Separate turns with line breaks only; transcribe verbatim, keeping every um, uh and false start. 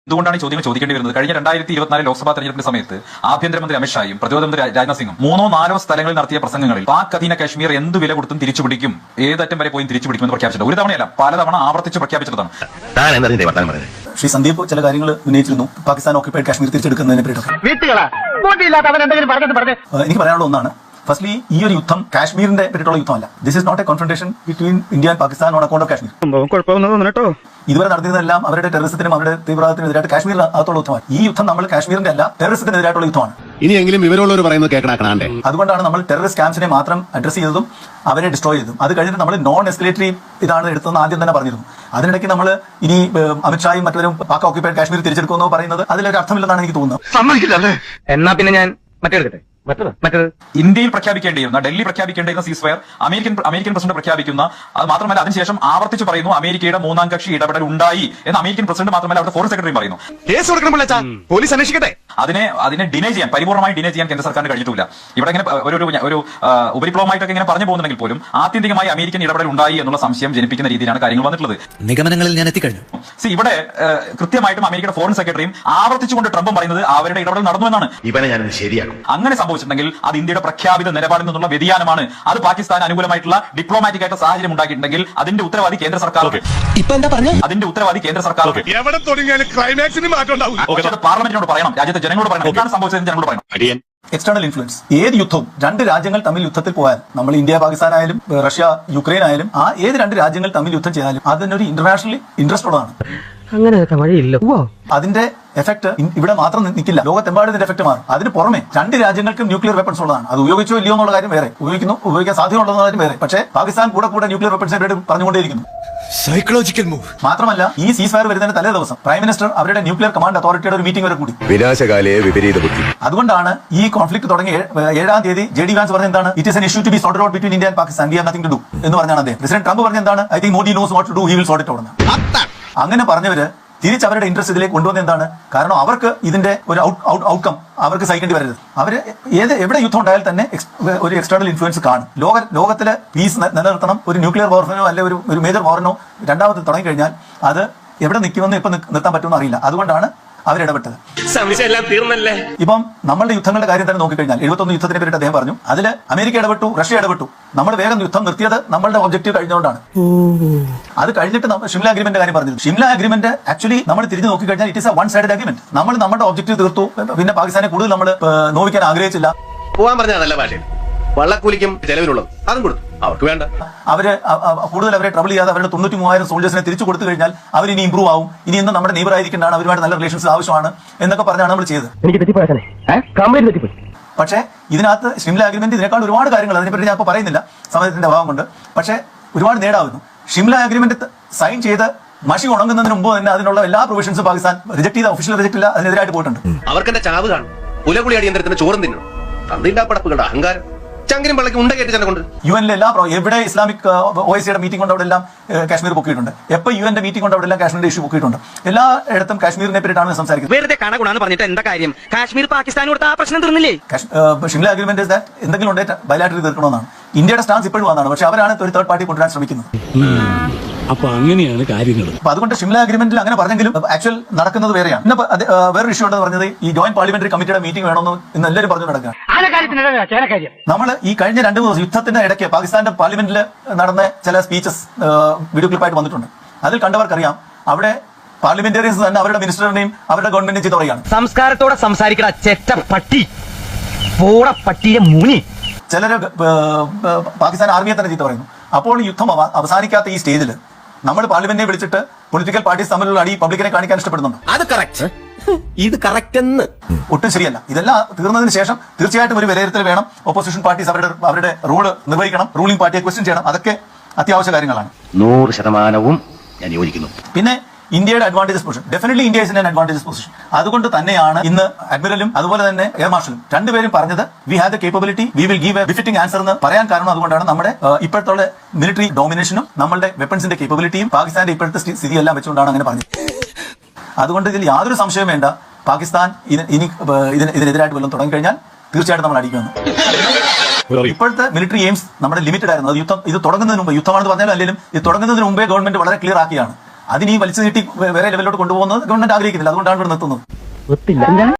എന്തുകൊണ്ടാണ് ഈ ചോദ്യങ്ങൾ ചോദിക്കേണ്ടി വരുന്നത്? കഴിഞ്ഞ രണ്ടായിരത്തി ഇരുപത്തിനാല് ലോക്സഭാ തെരഞ്ഞെടുപ്പിന്റെ സമയത്ത് ആഭ്യന്തരമന്ത്രി അമിത്ഷായും പ്രതിരോധ മന്ത്രി രാജ്നാഥ് സിംഗും മൂന്നോ നാലോ സ്ഥലങ്ങളിൽ നടത്തിയ പ്രസംഗങ്ങളിൽ പാക് അധീന കാശ്മീർ എന്ത് വില കൊടുത്തും തിരിച്ചുപിടിക്കും, ഏതറ്റം വരെ പോയി തിരിച്ചുപിടിക്കുമെന്ന് പ്രഖ്യാപിച്ചിട്ടുണ്ട്. ഒരു തവണയല്ല, പലതവണ ആവർത്തിച്ച് പ്രഖ്യാപിച്ചതാണ്.
ശ്രീ സന്ദീപ് ചില കാര്യങ്ങൾ ഉന്നയിച്ചിരുന്നു, പാകിസ്ഥാൻ ഓക്യുപ്പൈഡ് കാശ്മീർ തിരിച്ചെടുക്കുന്നതിനെ പറ്റിയിട്ട്. എനിക്ക് പറയാനുള്ള ഒന്നാണ്, ഫസ്റ്റ്ലി ഈ ഒരു യുദ്ധം കാശ്മീരിന്റെ പറ്റിയിട്ടുള്ള യുദ്ധമല്ല. This is not a confrontation between India and Pakistan on account of Kashmir. ഇതുവരെ നടത്തിയതെല്ലാം അവരുടെ ടെററിസത്തിനും അവരുടെ തീവ്രവാദത്തിനെതിരായിട്ട് കാശ്മീരിൽ അകത്തുള്ള യുദ്ധമാണ്. ഈ യുദ്ധം നമ്മൾ കാശ്മീരിന്റെ അല്ല, ടെററിസത്തിനെതിരായിട്ടുള്ള യുദ്ധമാണ്.
ഇനിയെങ്കിലും വിവരമുള്ളവർ പറയുന്നത് കേൾക്കണേ.
അതുകൊണ്ടാണ് നമ്മൾ ടെററിസ്റ്റ് ക്യാമ്പ്സിനെ മാത്രം അഡ്രസ് ചെയ്തതും അവരെ ഡിസ്ട്രോയ് ചെയ്തതും. അത് കഴിഞ്ഞിട്ട് നമ്മൾ നോൺ എസ്കലേറ്ററി ഇതാണ് എടുത്തതെന്ന് ആദ്യം തന്നെ പറഞ്ഞിരുന്നു. അതിനിടയ്ക്ക് നമ്മൾ ഇനി അമിത്ഷായും മറ്റവരും പാക് ഓക്യുപ്പൈഡ് കാശ്മീർ തിരിച്ചെടുക്കുമെന്നോ പറയുന്നത് അതിലൊരു അർത്ഥമില്ലെന്നാണ് എനിക്ക് തോന്നുന്നത്.
എന്നാ പിന്നെ ഞാൻ മറ്റെടുക്കട്ടെ മറ്റേത്
ഇന്ത്യയിൽ പ്രഖ്യാപിക്കേണ്ടിയിരുന്ന, ഡൽഹി പ്രഖ്യാപിക്കേണ്ടിയിരുന്ന സീസ് ഫയർ അമേരിക്കൻ അമേരിക്കൻ പ്രസിഡന്റ് പ്രഖ്യാപിക്കുന്ന, അത് മാത്രമല്ല അതിനുശേഷം ആവർത്തിച്ച് പറയുന്നു അമേരിക്കയുടെ മൂന്നാം കക്ഷി ഇടപെടൽ ഉണ്ടായി എന്ന് അമേരിക്കൻ പ്രസിഡന്റ് മാത്രമല്ല അവിടുത്തെ ഫോറിൻ സെക്രട്ടറി പറയുന്നു.
കേസ് കൊടുക്കണം, പോലീസ് അന്വേഷിക്കട്ടെ.
അതിനെ അതിനെ ഡിനൈ ചെയ്യാൻ, പരിപൂർണ്ണമായി ഡിനൈ ചെയ്യാൻ കേന്ദ്ര സർക്കാരിന് കഴിഞ്ഞിട്ടില്ല. ഇവിടെ ഇങ്ങനെ ഒരു ഒരു ഉപരിപ്ലവമായിട്ടൊക്കെ ഇങ്ങനെ പറഞ്ഞു പോകുന്നുണ്ടെങ്കിൽ പോലും ആത്യന്തികമായി അമേരിക്കൻ ഇടപെടൽ ഉണ്ടായി എന്നുള്ള സംശയം ജനിപ്പിക്കുന്ന രീതിയിലാണ് കാര്യങ്ങൾ വന്നിട്ടുള്ളത്.
നിഗമനങ്ങളിൽ ഞാൻ എത്തിക്കഴിഞ്ഞു.
സി ഇവിടെ കൃത്യമായിട്ടും അമേരിക്കയുടെ ഫോറിൻ സെക്രട്ടറിയും ആവർത്തിച്ചുകൊണ്ട് ട്രംപും പറയുന്നത് അവരുടെ ഇടപെടൽ നടന്നു എന്നാണ്.
ഇവനെ ഞാൻ ശരിയാക്കും.
അങ്ങനെ സംഭവിച്ചിട്ടുണ്ടെങ്കിൽ അത് ഇന്ത്യയുടെ പ്രഖ്യാപിത നിലപാടിൽ നിന്നുള്ള വ്യതിയാനമാണ്. അത് പാകിസ്ഥാൻ അനുകൂലമായിട്ടുള്ള ഡിപ്ലോമാറ്റിക് ആയിട്ട് സാഹചര്യം ഉണ്ടാക്കിയിട്ടുണ്ടെങ്കിൽ അതിന്റെ ഉത്തരവാദി കേന്ദ്ര സർക്കാർ. അതിന്റെ ഉത്തരവാദി കേന്ദ്ര സർക്കാർ. പാർലമെന്റിനോട് പറയണം, രാജ്യത്തെ ജനങ്ങളോട് പറയണം, എന്താണ് സംഭവിച്ചത് ജനങ്ങളോട് പറയണം.
എക്സ്റ്റേണൽ ഇൻഫ്ലുവൻസ്, ഏത് യുദ്ധവും രണ്ട് രാജ്യങ്ങൾ തമ്മിൽ യുദ്ധത്തിൽ പോയാൽ, നമ്മൾ ഇന്ത്യ പാകിസ്ഥാൻ ആയാലും റഷ്യ യുക്രൈൻ ആയാലും, ആ ഏത് രണ്ട് രാജ്യങ്ങൾ തമ്മിൽ യുദ്ധം ചെയ്താലും അതിനൊരു ഇന്റർനാഷണൽ ഇൻട്രസ്റ്റ് ഉള്ളതാണ്.
അങ്ങനെ വഴിയില്ല.
അതിന്റെ എഫക്ട് ഇവിടെ മാത്രം നിൽക്കില്ല, ലോകത്തെമ്പാടും ഇതിന്റെ എഫക്ട് മാറും. അതിന് പുറമെ രണ്ട് രാജ്യങ്ങൾക്കും ന്യൂക്ലിയർ വെപ്പൺസ് ഉള്ളതാണ്. അത് ഉപയോഗിച്ചോ ഇല്ലയോ എന്നുള്ള കാര്യം വേറെ, ഉപയോഗിക്കുന്നു ഉപയോഗിക്കാൻ സാധ്യതയുള്ളതെന്ന കാര്യം വേറെ. പക്ഷേ പാകിസ്ഥാൻ കൂടെ കൂടെ ന്യൂക്ലിയർ വെപ്പൺസിനെ പറ്റി പറഞ്ഞുകൊണ്ടേയിരിക്കുന്നു.
Psychological move.
മാത്രമല്ല ഈ സീസ് ഫയർ വരുന്നതിന് തലേ ദിവസം പ്രൈം മിനിസ്റ്റർ അവരുടെ ന്യൂക്ലിയർ കമാൻഡ് അതോറിറ്റിയുടെ ഒരു മീറ്റിംഗ് വരെ കൂടി.
വിനാശകാലയെ വിപരീത ബുദ്ധി.
അതുകൊണ്ടാണ് ഈ കോൺഫ്ലിക്ട് തുടങ്ങിയ ഏഴാം തീയതി ജെ ഡി വാൻസ് പറഞ്ഞ എന്താണ്, it is an issue to be sorted out between India and Pakistan, we have nothing to do എന്ന് പറഞ്ഞാണ് അദ്ദേഹം. പ്രസിഡന്റ് ട്രംപ് പറഞ്ഞ എന്താണ്, I think Modi knows what to do, he will sort it out. അങ്ങനെ പറഞ്ഞവര് തിരിച്ച് അവരുടെ ഇൻട്രസ്റ്റ് ഇതിലേക്ക് കൊണ്ടുവന്ന എന്താണ്, കാരണം അവർക്ക് ഇതിന്റെ ഒരു ഔട്ട്കം അവർക്ക് സഹിക്കേണ്ടി വരരുത്. അവര് ഏത് എവിടെ യുദ്ധം ഉണ്ടായാൽ തന്നെ ഒരു എക്സ്റ്റേണൽ ഇൻഫ്ലുവൻസ് കാണും. ലോക ലോകത്തിലെ പീസ് നിലനിർത്തണം. ഒരു ന്യൂക്ലിയർ വാറിനോ അല്ലെ ഒരു ഒരു മേജർ വാറിനോ രണ്ടാമത് തുടങ്ങിക്കഴിഞ്ഞാൽ അത് എവിടെ നിൽക്കുമെന്ന് ഇപ്പൊ നിർത്താൻ പറ്റുമെന്ന് അറിയില്ല. അതുകൊണ്ടാണ് അവരിടപെട്ടത്. ഇപ്പം നമ്മളുടെ യുദ്ധങ്ങളുടെ കാര്യം തന്നെ നോക്കിക്കഴിഞ്ഞാൽ എഴുപത്തൊന്ന് യുദ്ധത്തിനെ പറ്റി അദ്ദേഹം പറഞ്ഞു. അതിൽ അമേരിക്ക ഇടപെട്ടു, റഷ്യ ഇടപെട്ടു. നമ്മൾ വേഗം യുദ്ധം നിർത്തിയത് നമ്മളുടെ ഒബ്ജക്റ്റീവ് കഴിഞ്ഞുകൊണ്ടാണ്. അത് കഴിഞ്ഞിട്ട് ഷിംല അഗ്രിമെന്റ് കാര്യം പറഞ്ഞു. ഷിംല അഗ്രിമെന്റ് ആക്ച്വലി നമ്മൾ തിരിഞ്ഞു നോക്കിക്കഴിഞ്ഞാൽ it is a one sided agreement. നമ്മൾ നമ്മുടെ ഒബ്ജക്റ്റീവ് തീർത്തു, പിന്നെ പാകിസ്ഥാനെ കൂടുതൽ നമ്മൾ നോവിക്കാൻ ആഗ്രഹിച്ചില്ല.
പോകാൻ പറഞ്ഞ നല്ല ഭാഷയിൽ വള്ളക്കൂലിക്കും ചെലവിനുള്ളത് അതും കൊടുത്തു, അവർക്ക് വേണ്ട.
അവര് കൂടുതൽ അവരെ ട്രബിൾ ചെയ്യാതെ അവരുടെ തൊണ്ണൂറ്റി മൂവായിരം സോൾജേഴ്സിനെ തിരിച്ചു കൊടുത്തു കഴിഞ്ഞാൽ അവർ ഇനി ഇംപ്രൂവ് ആവും, ഇനി ഇന്ന് നമ്മുടെ നെയ്ബർ ആയിരിക്കേണ്ടതാണ്, അവരുമായിട്ട് നല്ല റിലേഷൻസ് ആവശ്യമാണ് എന്നൊക്കെ പറഞ്ഞാണ് നമ്മൾ ചെയ്തത്. പക്ഷേ ഇതിനകത്ത് ഷിംല അഗ്രിമെന്റ് ഇതിനേക്കാൾ ഒരുപാട് കാര്യങ്ങൾ, അതിനെപ്പറ്റി ഞാൻ ഇപ്പോൾ പറയുന്നില്ല സമയത്തിന്റെ അഭാവം കൊണ്ട്. പക്ഷേ ഒരുപാട് നേടാവുന്നു. ഷിംല അഗ്രിമെന്റ് സൈൻ ചെയ്ത് മഷി ഉണങ്ങുന്നതിന് മുമ്പ് തന്നെ അതിനുള്ള എല്ലാ പ്രൊവിഷൻസും പാകിസ്ഥാൻ റിജക്ട് ചെയ്ത, ഒഫീഷ്യൽ റിജക്ട് ഇല്ല, അതിനെതിരായിട്ട് പോയിട്ടുണ്ട്.
അവർക്ക് എന്റെ ചാവ് കാണും, പുലകുളി അടിയന്തരത്തിന് ചോറും തിന്നണം, തന്നില്ലാ പടപ്പുകളുടെ അഹങ്കാരം ചങ്കിലും പള്ളക്ക് ഉണ്ട കയറ്റി തന്നെ കൊണ്ട്.
യു എൻ എല്ലാ എവിടെ ഇസ്ലാമിക് ഒ ഐ സിയുടെ മീറ്റിംഗ് കൊണ്ട് അവിടെ എല്ലാം കാശ്മീർ പൊക്കിയിട്ടുണ്ട്. എപ്പോൾ യു എന്റെ മീറ്റിംഗ് കൊണ്ട് അവിടെ എല്ലാം കാശ്മീരിന്റെ ഇഷ്യൂ പൊക്കിയിട്ടുണ്ട്. എല്ലായിടത്തും കാശ്മീരിനെ പറ്റിയിട്ടാണ് സംസാരിക്കുന്നത്.
വെറുതെ കണകുണാന്ന് പറഞ്ഞിട്ട് എന്താ കാര്യം? കാശ്മീർ പാകിസ്ഥാൻ കൊടുത്ത ആ പ്രശ്നം തീർന്നില്ലേ?
ഷിംല അഗ്രിമെന്റ് എന്തെങ്കിലും ഉണ്ടെങ്കിൽ ബയലാറ്ററി തീർക്കണമെന്നാണ് ഇന്ത്യയുടെ സ്റ്റാൻസ് ഇപ്പോഴും വന്നതാണ്. പക്ഷെ അവരാണ് ഒരു തേർഡ് പാർട്ടി കൊണ്ടുവരാൻ ശ്രമിക്കുന്നത്.
അപ്പൊ അങ്ങനെയാണ് കാര്യങ്ങൾ.
അപ്പൊ അതുകൊണ്ട് ഷിംല അഗ്രിമെന്റിൽ അങ്ങനെ പറഞ്ഞെങ്കിലും ആക്ച്വൽ നടക്കുന്നത് വേറെയാണ്. പിന്നെ വേറൊരു ഇഷ്യൂ ഉണ്ടെന്ന് പറഞ്ഞത് ഈ ജോയിന്റ് പാർലമെന്ററി കമ്മിറ്റിയുടെ മീറ്റിംഗ് വേണമെന്ന് ഇന്ന് എല്ലാവരും പറഞ്ഞു നടക്കുകയാണ്. നമ്മൾ ഈ കഴിഞ്ഞ രണ്ടു മൂന്ന് യുദ്ധത്തിന്റെ ഇടയ്ക്ക് പാകിസ്ഥാന്റെ പാർലമെന്റിൽ നടന്ന ചില സ്പീച്ചസ് വീഡിയോ ക്ലിപ്പായിട്ട് വന്നിട്ടുണ്ട്. അതിൽ കണ്ടവർക്കറിയാം അവിടെ പാർലമെന്റേറിയൻസ് തന്നെ അവരുടെ മിനിസ്റ്ററിനെയും അവരുടെ ഗവൺമെന്റിനെയും ചീത്ത പറയുകയാണ്.
സംസ്കാരത്തോടെ സംസാരിക്കണ ചെറ്റ പട്ടി, പട്ടിയെ മൂനി.
ചിലര് പാകിസ്ഥാൻ ആർമിയെ തന്നെ ചീത്ത പറയുന്നു. അപ്പോൾ യുദ്ധം അവസാനിക്കാത്ത ഈ സ്റ്റേജിൽ നമ്മൾ പാർലമെന്റിനെ വിളിച്ചിട്ട് പൊളിറ്റിക്കൽ പാർട്ടീസ് തമ്മിലുള്ള അടി പബ്ലിക്കിനെ കാണിക്കാൻ ഇഷ്ടപ്പെടുന്നുണ്ട്.
അത് കറക്റ്റ്, ഇത് കറക്റ്റ് എന്ന്
ഒട്ടും ശരിയല്ല. ഇതെല്ലാം തീർന്നതിന് ശേഷം തീർച്ചയായിട്ടും ഒരു വിലയിരുത്തൽ വേണം. ഓപ്പോസിഷൻ പാർട്ടീസ് അവരുടെ അവരുടെ റോള് നിർവഹിക്കണം, റൂളിംഗ് പാർട്ടിയെ ക്വസ്റ്റ്യൻ ചെയ്യണം. അതൊക്കെ അത്യാവശ്യ കാര്യങ്ങളാണ്.
നൂറ് ശതമാനവും ഞാൻ യോജിക്കുന്നു.
പിന്നെ ഇന്ത്യയുടെ advantages position, definitely India is in advantages position. അതുകൊണ്ട് തന്നെയാണ് ഇന്ന് അഡ്മിറലും അതുപോലെ തന്നെ എയർ മാർഷലും രണ്ടുപേരും പറഞ്ഞത് we have the capability, we will give a befitting answer എന്ന് പറയാൻ കാരണം അതുകൊണ്ടാണ്. നമ്മുടെ ഇപ്പോഴത്തെ മിലിറ്ററി ഡോമിനേഷനും നമ്മളുടെ വെപ്പൺസിന്റെ കേപ്പബിലിറ്റിയും പാകിസ്ഥാന്റെ ഇപ്പോഴത്തെ സ്ഥിതിയെല്ലാം വെച്ചുകൊണ്ടാണ് അങ്ങനെ പറഞ്ഞത്. അതുകൊണ്ട് ഇതിൽ യാതൊരു സംശയം വേണ്ട, പാകിസ്ഥാൻ ഇനി ഇതിനെതിരായിട്ട് വല്ലതും തുടങ്ങിക്കഴിഞ്ഞാൽ തീർച്ചയായിട്ടും നമ്മൾ അടിക്കുമെന്ന്. ഇപ്പോഴത്തെ മിലിറ്ററി എയിംസ് നമ്മുടെ ലിമിറ്റഡ് ആയിരുന്നു. അത് യുദ്ധം ഇത് തുടങ്ങുന്നതിന് മുമ്പ്, യുദ്ധമാണെന്ന് പറഞ്ഞാലും അല്ലെങ്കിലും ഇത് തുടങ്ങുന്നതിന് മുമ്പേ ഗവൺമെന്റ് വളരെ ക്ലിയർ ആക്കിയാണ്. അതിന് ഈ വലിച്ചു നീട്ടി വേറെ ലെവലിലോട്ട് കൊണ്ടുപോകുന്നത് ഗവൺമെന്റ് ആഗ്രഹിക്കുന്നില്ല. അതുകൊണ്ടാണ് ഇവിടെ നിർത്തുന്നത്.